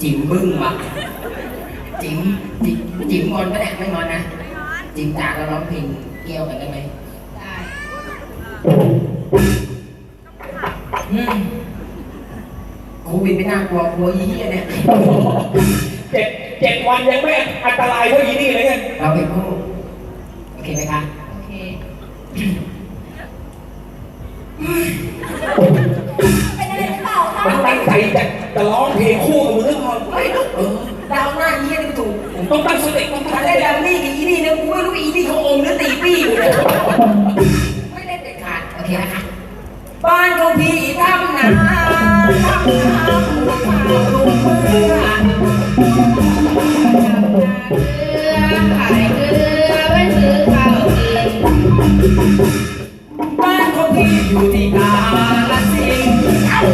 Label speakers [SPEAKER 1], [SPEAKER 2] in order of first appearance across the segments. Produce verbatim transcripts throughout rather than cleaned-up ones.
[SPEAKER 1] จิ๋มบึ้งว่ะจิ๋มจิ๋มจิ๋มงอนปะเนี่ยไม่งอนนะจิ๋มจ๋าเราร้องเพลงเกี่ยวกันได้ไหมได้โควิดไม่น่ากลัวกลัวยี่เนี่ย
[SPEAKER 2] เจ็ดเจ็ดวันยังไม่อันตรายเท่ายี่นี่เลยไง
[SPEAKER 1] เราเป็นคู่โอเคไหมคะโอเค
[SPEAKER 3] เป็นอะไรหรือเปล่าคะ
[SPEAKER 2] มันตั้งใจจะจะร้องเพลงคู่กับมึงหรือเปล่า
[SPEAKER 1] ไม่เออดาวหน้ายี่นี่ถูก
[SPEAKER 2] ต้องตั้งสติต้องตั้งสติ
[SPEAKER 1] ดาวนี่กับยี่นี่เนี่ยกูไม่รู้อีนี่เขาองค์หรือตีปี้อยู่เลยไม่ได้เด็ดขาดโอเคนะคะบ้านของพี่ทำนาทำนาลูกเมื่อขายเกลือไว้ซื้อข้าวกินบ้านของพี่อยู่ที่กาฬสินธุ์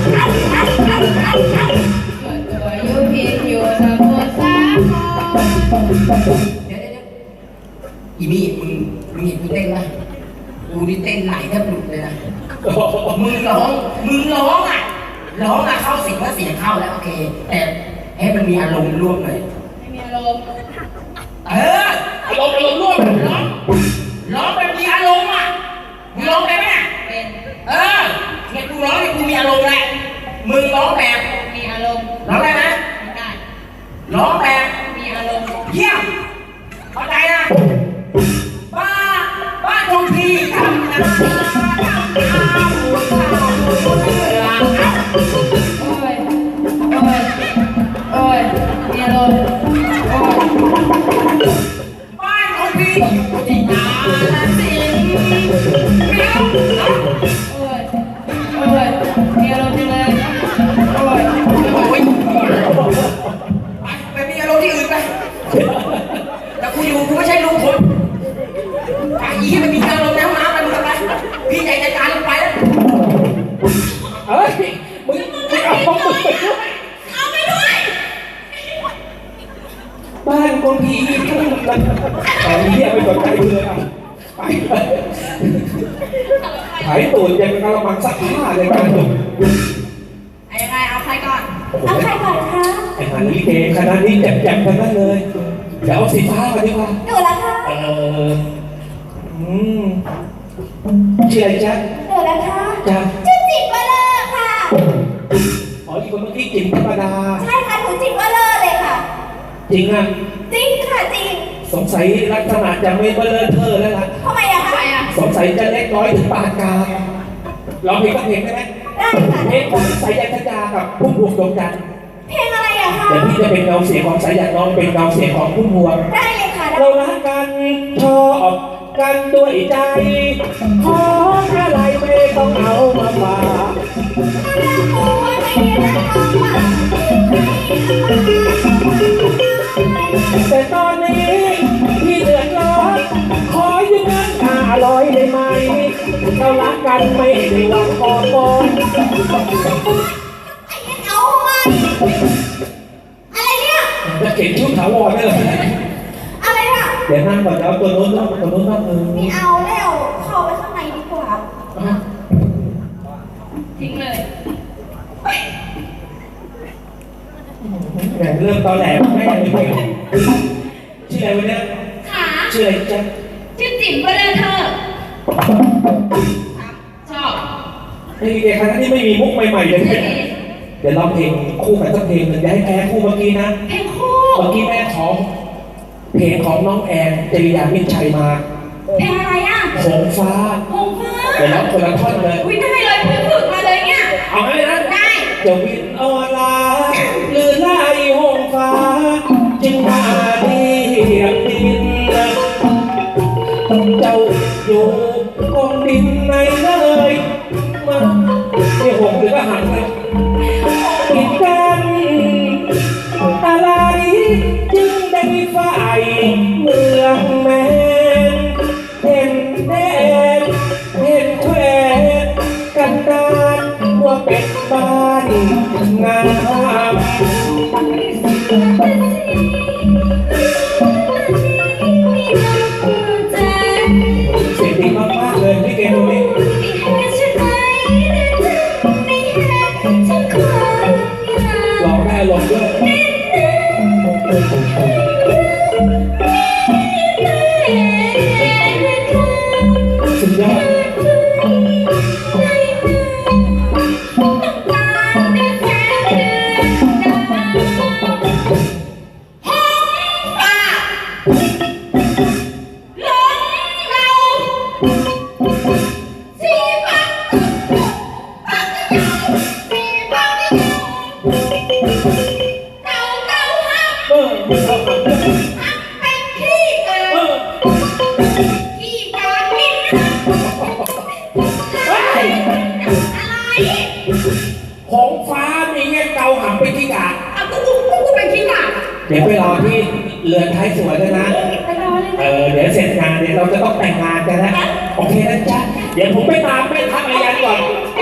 [SPEAKER 1] ตัวอยู่พินอยู่สมุทรสาครเดี๋ยวเดี๋ยวอีนี่มึงมึงเห็นกูเต้นไหมกูนี่เต้นไหลแทบหลุดเลยนะมึงร้องมึงร้องอ่ะร้องอ่ะเข้าเสียงว่าเสียงเข้าแล้วโอเคแต่ให้มันมีอารมณ์ร่วมหน่อยไม่มีอารมณ์เออ
[SPEAKER 2] อารมณ์อารมณ์ร่วม
[SPEAKER 1] ร้องร้องแบบมีอารมณ์อ่ะมึงร้องได้ไหมเป็นเออเนี่ยกูร้องเนี่ยกูมีอารมณ์แหละมึงร้องแบบมีอารมณ์ร้องได้ไหมไม่ได้ร้องแบบมีอารมณ์เยี่ยมเข้าใจนะบ้าบ้าตรงที่ทำนาทำนาหัวข้าวหัวเรือโอ้ยโอ้ยโอ้ยมีอารมณ์โอ้ยบ้านของพี่อยู่ที่กาฬสินธุ์ไม่เอาโอ้ยโอ้ยมีอารมณ์จังเลยโอ้ยโอ้ยไปไปมีอารมณ์ที่อื่นไปแต่กูอยู่กูไม่ใช่ลูกคนไอ้ยี่มันมีอารมณ์ในห้องน้ำไปมึงทำไรพี่ใหญ่จัดการลงไปแล้ว
[SPEAKER 2] เฮ้ยมึงมึงเอาของมึงไปด้วย
[SPEAKER 3] เอาไปด้วย
[SPEAKER 2] บ้านคนผีทุ่งกันตอนนี้ไม่สนใจเลยอ่ะไปหายตูดยังกระมังซักผ้าเลยบ้านมึง
[SPEAKER 1] ไอ้ยังไงเอาใครก่อน
[SPEAKER 3] เอาใครก่อนคะ
[SPEAKER 2] ไอ้หาลิเกคณะนี้แจ่มๆกันนั่นเลยเดี๋ยวเอาสีฟ้ามาดีกว่า
[SPEAKER 3] หนูละคะ
[SPEAKER 2] เอออืมชื่ออะไรจ๊ะ
[SPEAKER 3] หนูละคะ
[SPEAKER 2] จ๊ะ
[SPEAKER 3] ชื่อจิ๋มวะเลอค่ะ
[SPEAKER 2] อ๋ออีกคนเมื่อกี้จิ๋มธรรมดา
[SPEAKER 3] ใช่ค่ะหนูจิ๋มวะเลอเลยค่ะ
[SPEAKER 2] จริงอ่ะ
[SPEAKER 3] จริงค่ะจริง
[SPEAKER 2] สงสัยลักษณะจะไม่เบลอเธอแล้วล่ะ
[SPEAKER 3] ทำไมอะคะ
[SPEAKER 2] สงสัยจะเล็กน้อยถึงปานกลางร้องเพลงก็เพลงได้ไหม
[SPEAKER 3] ได้ค่ะ
[SPEAKER 2] เพลงของสายยันธยากับพุ่มพวงดวงจันทร์
[SPEAKER 3] เพลงอะไรอะคะ
[SPEAKER 2] เดี๋ยวพี่จะเป็นเงาเสียงของสายยันน้องเป็นเงาเสียงของพุ่มพวง
[SPEAKER 3] ได้เลยค่ะ
[SPEAKER 2] เรารักกันชอบกันด้วยใจขออะไรไม่ต้องเอามาฝากแต่ตอนนี้พี่เดือดร้อนขอยืมเงินห้าร้อยได้ไหมเรารักกันไม่ได้หวังก่อนก่อน
[SPEAKER 3] เอาไปอะไรเนี่ย
[SPEAKER 2] จะเก็บชุดถาวรได้เลย
[SPEAKER 3] อะไรอ่ะ
[SPEAKER 2] เดี๋ยวนั่งก่อนแล้วตัวโน้นแล้วตัวโน้นแล้วเออ
[SPEAKER 3] ไม่เอาแล้วเข้าไปข้างในดีกว่า
[SPEAKER 1] ทิ้งเลย
[SPEAKER 2] แหมเริ่มตอนแหลมไม่ยังไม่ชื่ออะไรวะเนี่ย
[SPEAKER 3] ค่ะ
[SPEAKER 2] ชื่ออะไรจ๊ะ
[SPEAKER 3] ชื่อจิ๋มเบลเธอชอบ
[SPEAKER 2] ไอ้เด็กคณะนี้ไม่มีมุกใหม่ๆเลยเดี๋ยวร้องเพลงคู่กันสักเพลงหนึ่งอย่าให้แพ้คู่เมื่อกี้นะ
[SPEAKER 3] เพลงคู่
[SPEAKER 2] เมื่อกี้แม่ขอเพลงของน้องแอนจริยามิตรชัยมา
[SPEAKER 3] เพลงอะไรอ่ะ
[SPEAKER 2] หงฟ้า
[SPEAKER 3] หงฟ้า
[SPEAKER 2] เดี๋ยวร้องคนละท่อนเลย
[SPEAKER 3] อุ้ยได้เลยเพิ่งฝึกมาเลยเนี่ย
[SPEAKER 2] เอาให้นะ
[SPEAKER 3] ได้
[SPEAKER 2] จะวินออนไลน์หรือไล่หงฟ้าจึงมาดีเดินเจ้าอยู่กองดินในเลยมาเนี่ยหงหรือก็หันเลยกินกันอะไรจึงได้ฝ่ายเมืองแมนเห็นแดนเห็นแควกันดานว่าเป็นบ้านงามหงฟ้ามีเงี้ยเกาหำเป็นขี้กาก
[SPEAKER 3] เอากูกูกูเป็นขี้กากอะ
[SPEAKER 2] เดี๋ยวไปรอที่เรือนท้ายสวยด้วยนะ
[SPEAKER 3] ไปรอเลย
[SPEAKER 2] เออเดี๋ยวเสร็จงานเดี๋ยวเราจะต้องแต่งงานกันนะโอเคนะจ๊ะเดี๋ยวผมไปตามแม่ทัพอายันก่อน
[SPEAKER 3] ไ